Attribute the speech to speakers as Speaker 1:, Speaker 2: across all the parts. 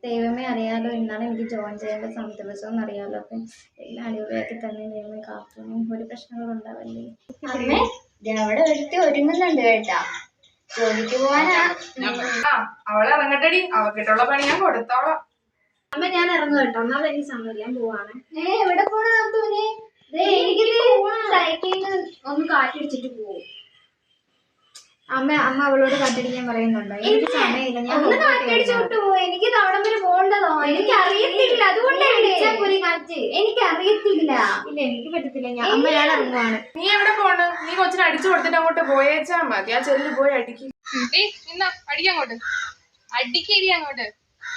Speaker 1: ദൈവമേ അറിയാലോ ഇന്നാണ് എനിക്ക് ജോയിൻ ചെയ്യേണ്ട ദിവസം എന്നറിയാലോ. അപ്പം എല്ലാം അടിപൊളിയാക്കി തന്നെ ദൈവമേ കാത്തും ഒരു പ്രശ്നങ്ങളും ഉണ്ടാവല്ലേ.
Speaker 2: അമ്മേ അവിടെ ഒരുത്തി ഒരുങ്ങുന്നുണ്ട് കേട്ടാ, ജോലിക്ക് പോവാനാ.
Speaker 3: അവളെ ഇറങ്ങട്ടടി, അവക്കിട്ടുള്ള പണി ഞാൻ കൊടുത്തോളാം.
Speaker 1: അമ്മ ഞാൻ ഇറങ്ങും കേട്ടോ, ഒന്നാമത് എനിക്ക് സമയം ഞാൻ പോവാണ്.
Speaker 2: എവിടെ പോണ നാത്തൂനെ?
Speaker 1: സൈക്കിളിൽ ഒന്ന് കാറ്റടിച്ചിട്ട് പോകും. അമ്മ അവളോട് കാറ്റടിക്കാൻ പറയുന്നുണ്ടോ? എനിക്ക് സമയമില്ല, ഞാൻ
Speaker 2: കാറ്റടിച്ചോട്ട് പോവും. എനിക്ക് തവണ വരെ പോകേണ്ടതോ? എനിക്ക് അറിയത്തില്ല, അതുകൊണ്ടാണ് കാറ്റ്. എനിക്ക് അറിയത്തില്ല.
Speaker 1: ഇല്ല എനിക്ക് പറ്റത്തില്ല. അമ്മ ഞാൻ ഇറങ്ങുവാണ്.
Speaker 3: നീ എവിടെ പോണ്? നീ കൊച്ചിനെ അടിച്ചു കൊടുത്തിട്ട് അങ്ങോട്ട് പോയേച്ചാ മതി. ആ ചെല്ലു പോയി അടിക്ക്. നിന്നാ അടിക്കങ്ങോട്ട്, അടിക്കരി അങ്ങോട്ട്.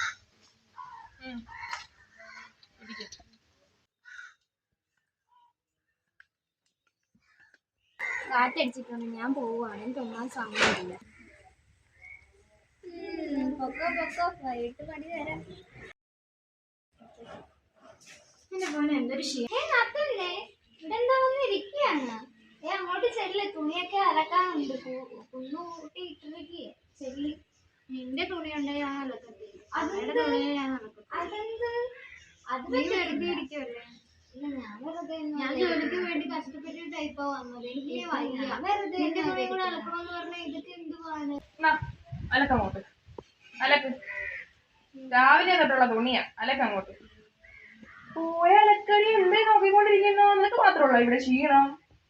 Speaker 1: കാറ്റടിച്ചിട്ടുണ്ട്, ഞാൻ പോവാണ്. എനിക്ക് ഒന്നാം സമയമില്ല.
Speaker 2: വൈകിട്ട് പണി തരാം.
Speaker 1: എന്റെ മോനെ എന്തൊരു
Speaker 2: ഇവിടെന്താ വന്ന് ഇരിക്കുകയാണ്? അങ്ങോട്ട് ചെല്ല്, തുണിയൊക്കെ അലക്കാനുണ്ട്. കുന്നുകൂട്ടി ഇട്ടിരിക്കുക. ചെല്ലി.
Speaker 1: നിന്റെ തുണി ഉണ്ടെങ്കിൽ ഞാൻ അലക്കത്തില്ല.
Speaker 2: അതെന്ത്?
Speaker 1: തുണിയെ ഞാൻ അലക്കത്തില്ല.
Speaker 2: അതെന്ത്? അത്
Speaker 1: നീ വെറുതെ ഇരിക്കുവല്ലേ?
Speaker 2: ഞാൻ ജോലിക്ക് വേണ്ടി കഷ്ടപ്പെട്ട് ടൈപ്പാ വന്നത്. എനിക്ക് വയ്യ. വെറുതെ നിന്റെ തുണി കൂടെ അലക്കണമെന്ന് പറഞ്ഞാൽ ഇതൊക്കെ എന്തുവാണ്?
Speaker 3: അലക്കങ്ങോട്ട് അലക്ക്. രാവിലെ തൊട്ടുള്ള തുണിയാ, അലക്കങ്ങോട്ട്. പോയ അലക്കടി എന്തേ നോക്കിക്കൊണ്ടിരിക്കുന്നു? നിനക്ക് മാത്രമുള്ള ഇവിടെ ക്ഷീണം.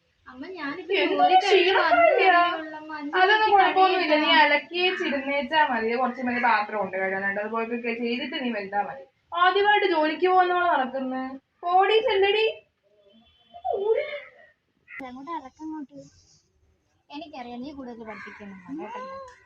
Speaker 3: അതൊന്നും കുഴപ്പമൊന്നുമില്ല. നീ അലക്കിച്ചിരുന്നേച്ചാ മതി. കുറച്ച് മതി പാത്രം ഉണ്ട് കഴുകാനായിട്ട്. അതുപോലെ ചെയ്തിട്ട് നീ വെച്ചാ മതി. ആദ്യമായിട്ട് ജോലിക്ക് പോകുന്നവളെ നടക്കുന്നു. ഓടി ചെല്ലടി.
Speaker 1: അങ്ങോട്ട് അലക്കങ്ങോട്ട്. എനിക്കറിയാം നീ കൂടുതൽ പഠിപ്പിക്കുന്നുണ്ടോ.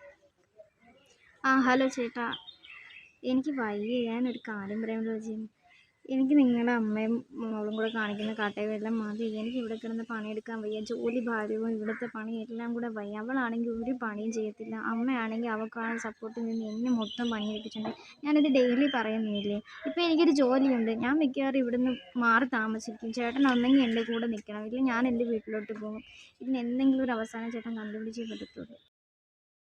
Speaker 1: ഹലോ ചേട്ടാ, എനിക്ക് വയ്യ. ഞാനൊരു കാര്യം പറയാമല്ലോ ചേച്ചി. എനിക്ക് നിങ്ങളുടെ അമ്മയും മോളും കൂടെ കാണിക്കുന്ന കാട്ടയെല്ലാം മതി. എനിക്ക് ഇവിടെ കിടന്ന് പണിയെടുക്കാൻ വയ്യ. ജോലി ഭാരവും ഇവിടുത്തെ പണി എല്ലാം കൂടെ വയ്യ. അവളാണെങ്കിൽ ഒരു പണിയും ചെയ്യത്തില്ല. അമ്മയാണെങ്കിൽ അവൾക്കാണ് സപ്പോർട്ടിൽ നിന്ന് എന്നെ മൊത്തം പണിയെടുപ്പിച്ചിട്ടുണ്ട്. ഞാനിത് ഡെയിലി പറയുന്നില്ലേ. ഇപ്പം എനിക്കൊരു ജോലിയുണ്ട്. ഞാൻ മിക്കവാറും ഇവിടുന്ന് മാറി താമസിക്കും. ചേട്ടൻ ഒന്നെങ്കിൽ എൻ്റെ കൂടെ നിൽക്കണം, ഇല്ലെങ്കിൽ ഞാൻ എൻ്റെ വീട്ടിലോട്ട് പോകും. ഇതിന് എന്തെങ്കിലും ഒരു അവസാനം ചേട്ടൻ കണ്ടുപിടിച്ചേ പറ്റത്തുള്ളൂ.